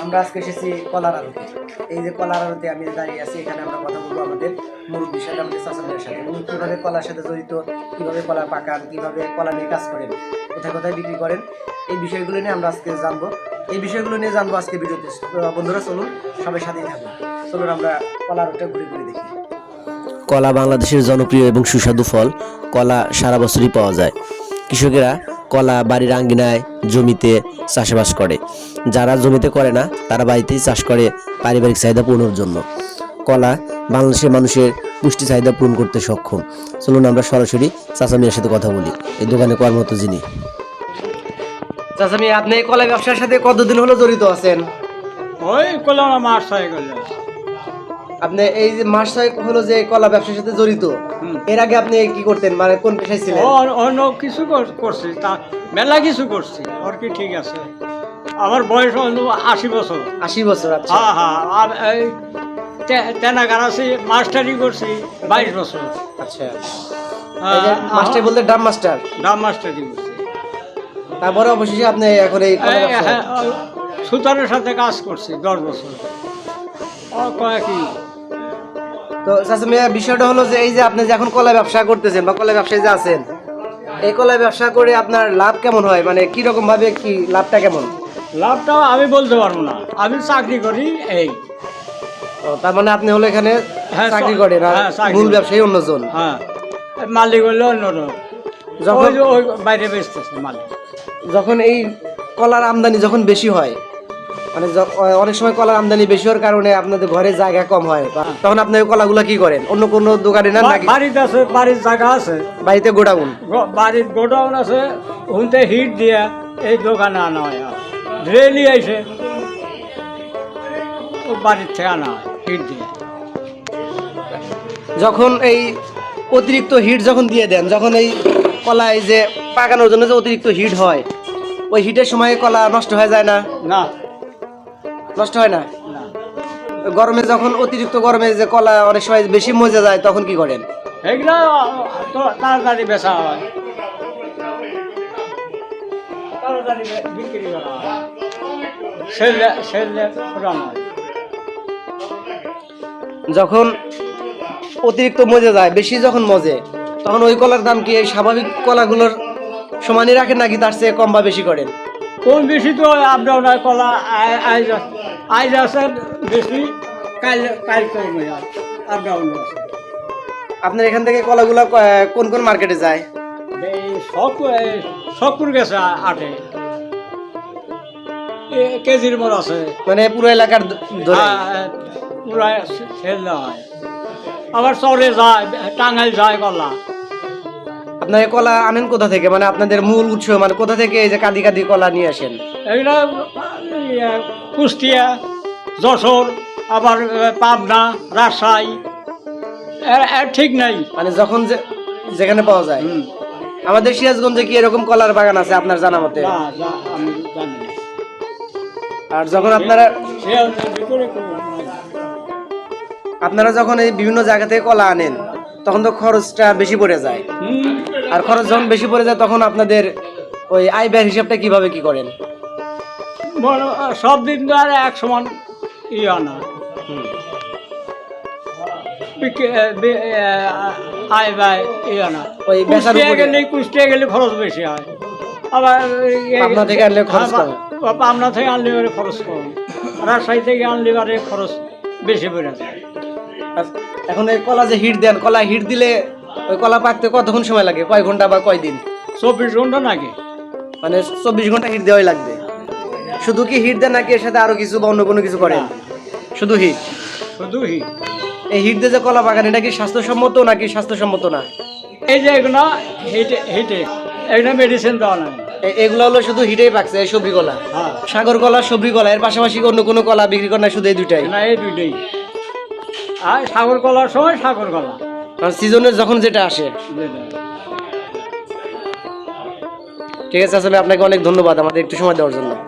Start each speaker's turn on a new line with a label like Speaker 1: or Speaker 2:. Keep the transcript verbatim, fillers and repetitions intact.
Speaker 1: আমরা আজকে এসেছি কলার আড়তে। এই যে কলার আড়তে আমি দাঁড়িয়ে আছি, এখানে আমরা কথা বলবো আমাদের মুরব্বীর সাথে, আমাদের চাচাদের সাথে, উনি কীভাবে কলার সাথে জড়িত, কীভাবে কলা পাকান, কীভাবে কলা নিয়ে কাজ করেন, কোথায় কোথায় বিক্রি করেন, এই বিষয়গুলো নিয়ে আমরা আজকে জানবো। এই বিষয়গুলো নিয়ে জানবো আজকে ভিডিওতে। বন্ধুরা চলুন সবাই সাথেই থাকুন, চলুন আমরা কলার আড়তে ঘুরে ঘুরে দেখি।
Speaker 2: কলা বাংলাদেশের জনপ্রিয় এবং সুস্বাদু ফল। কলা সারা বছরই পাওয়া যায়। কৃষকেরা কলা বাড়ির আঙ্গিনায়, জমিতে চাষাবাস করে। যারা জমিতে করে না তারা বাড়িতেই চাষ করে পারিবারিক চাহিদা পূরণের জন্য। কলা বাংলাদেশের মানুষের পুষ্টি চাহিদা পূরণ করতে সক্ষম। চলুন আমরা সরাসরি চাচা মিয়ার সাথে কথা বলি, এই দোকানে কর্মরত যিনি।
Speaker 1: চাচা মিয়া, আপনি এই কলা ব্যবসার সাথে কতদিন হলো জড়িত আছেন?
Speaker 3: ওই কলা মাস ছয় গেল।
Speaker 1: আপনি এই যে মাস ছয় হলো যে কলা ব্যবসার সাথে জড়িত, এর আগে আপনি কি করতেন, মানে কোন পেশায় ছিলেন?
Speaker 3: অন্য কিছু করছি, তা মেলা কিছু করছি। আর কি ঠিক আছে, আমার বয়স আশি বছর।
Speaker 1: আশি বছর? আচ্ছা।
Speaker 3: হ্যাঁ হ্যাঁ, আর এই তেনাগার আছি, মাস্টারি করছি বাইশ বছর।
Speaker 1: আচ্ছা, মাস্টার বলতে ডাম মাস্টার?
Speaker 3: ডাম মাস্টারি করছি।
Speaker 1: তারপরে অবশেষে আপনি এখন এই
Speaker 3: সুতারের সাথে কাজ করছি দশ বছর। কয়েকই
Speaker 1: তো চাচা মিয়া, বিষয়টা হলো যে এই যে আপনি যে এখন কলা ব্যবসা করতেছেন বা কলা ব্যবসায় যে আছেন, এই কলা ব্যবসা করে আপনার লাভ কেমন হয়, মানে কি রকম ভাবে কি লাভটা কেমন?
Speaker 3: লাভটা আমি বলতে পারবো না, আমি চাকরি করি। এই
Speaker 1: তার মানে আপনি হলো এখানে চাকরি করেন আর মূল ব্যবসায়ী অন্যজন?
Speaker 3: হ্যাঁ, মালিক হলো অন্যজন, যখন ওই বাইরে বেচতেছে মালিক।
Speaker 1: যখন এই কলার আমদানি যখন বেশি হয়, মানে অনেক সময় কলার আমদানি বেশি হওয়ার কারণে আপনাদের ঘরে জায়গা কম হয়, তখন আপনি ওই কলাগুলো কি করেন? অন্য কোনো দোকানে না?
Speaker 3: বাড়িতে আছে, বাড়ির জায়গা আছে,
Speaker 1: বাড়িতে গোডাউন?
Speaker 3: বাড়ির গোডাউন আছে, হুনতে হিট দিয়ে এই দোকানে আনা হয়। রেলি আইসে বাড়ির থেকে আনা হয় হিট দিয়ে।
Speaker 1: যখন এই অতিরিক্ত হিট যখন দিয়ে দেন, যখন এই কলা এই যে পাকানোর জন্য যে অতিরিক্ত হিট হয়, ওই হিটের সময় কলা নষ্ট হয়ে যায় না?
Speaker 3: না,
Speaker 1: নষ্ট হয় না। গরমে যখন অতিরিক্ত গরমে যে কলা অনেক সময় বেশি মজে যায়, তখন কি করেন?
Speaker 3: এগুলো তো তাড়াতাড়ি বেচা হয়, তাড়াতাড়ি বিক্রি করা হয়, সেলে সেলে পুরানো হয়।
Speaker 1: যখন অতিরিক্ত মজে যায়, বেশি যখন মজে, তখন ওই কলার দাম কি এই স্বাভাবিক কলাগুলোর সমানই রাখেন নাকি তার চেয়ে কম বা বেশি করেন?
Speaker 3: কোন বেশি তো আপ ডাউন হয়। কলা আইজ আইজ আছে বেশি, কাল কাল কমে যায়, আপ ডাউন আছে।
Speaker 1: আপনার এখান থেকে কলাগুলো কোন কোন মার্কেটে যায়?
Speaker 3: এই সব সবপুর গেছে আটে কেজির মর আছে,
Speaker 1: মানে পুরো এলাকার ধরে
Speaker 3: পুরা সেল দেওয়া হয়। আবার চরে যায়, টাঙ্গাইল যায় কলা।
Speaker 1: আপনার এই কলা আনেন কোথা থেকে, মানে আপনাদের মূল উৎস মানে কোথা থেকে এই যে কাঁদি কাঁদি কলা নিয়ে আসেন?
Speaker 3: এগুলো কুষ্টিয়া, যশোর, আবার পাবনা, রাজশাহী, ঠিক নাই,
Speaker 1: মানে যখন যেখানে পাওয়া যায়। আমাদের সিরাজগঞ্জে কি এরকম কলার বাগান আছে আপনার জানা মতে?
Speaker 3: আমি জানি না।
Speaker 1: আর যখন আপনারা আপনারা যখন এই বিভিন্ন জায়গা থেকে কলা আনেন, তখন তো খরচটা বেশি পড়ে যায়। আর খরচ যখন বেশি পড়ে যায়, তখন আপনাদের ওই আয় ব্যয়ের হিসাবটা কিভাবে কি করেন?
Speaker 3: সব দিন তো আর এক সমান ইয়ে আনা, আয় ব্যয় ইয়ে আনা। ওই কুষ্টিয়া গেলে কুষ্টিয়া গেলে খরচ বেশি হয়, আবার
Speaker 1: পাবনা থেকে আনলে খরচ কম।
Speaker 3: পাবনা থেকে আনলে এবারে খরচ কম, রাজশাহী থেকে আনলে এবারে খরচ বেশি পড়ে যায়।
Speaker 1: এখন এই কলা যে হিট দেন, কলা হিট দিলে ওই কলা পাকতে কতক্ষণ সময় লাগে, কয় ঘন্টা বা কয় দিন?
Speaker 3: চব্বিশ ঘন্টা নাকি,
Speaker 1: মানে চব্বিশ ঘন্টা হিট দেওয়াই লাগবে? শুধু কি হিট দেন নাকি এর সাথে আরো কিছু বা অন্য কোনো কিছু করেন? শুধু হিট?
Speaker 3: শুধু হিট।
Speaker 1: এই হিট দিয়ে যে কলা পাকান, এটা কি স্বাস্থ্যসম্মত নাকি স্বাস্থ্যসম্মত না?
Speaker 3: এই যে এগুলো হিটে হিটে এগুলো মেডিসিন দেওয়া না,
Speaker 1: এগুলো হলো শুধু হিটেই পাকছে এই সবজি কলা?
Speaker 3: হ্যাঁ,
Speaker 1: সাগর কলা, সবজি কলা, এর পাশাপাশি অন্য কোনো কলা বিক্রি করে না? শুধু এই দুইটাই?
Speaker 3: না, এই দুইটাই। আর সাগর কলার সময় সাগর কলা,
Speaker 1: সিজনের যখন যেটা আসে। ঠিক আছে, আসলে আপনাকে অনেক ধন্যবাদ আমাদের একটু সময় দেওয়ার জন্য।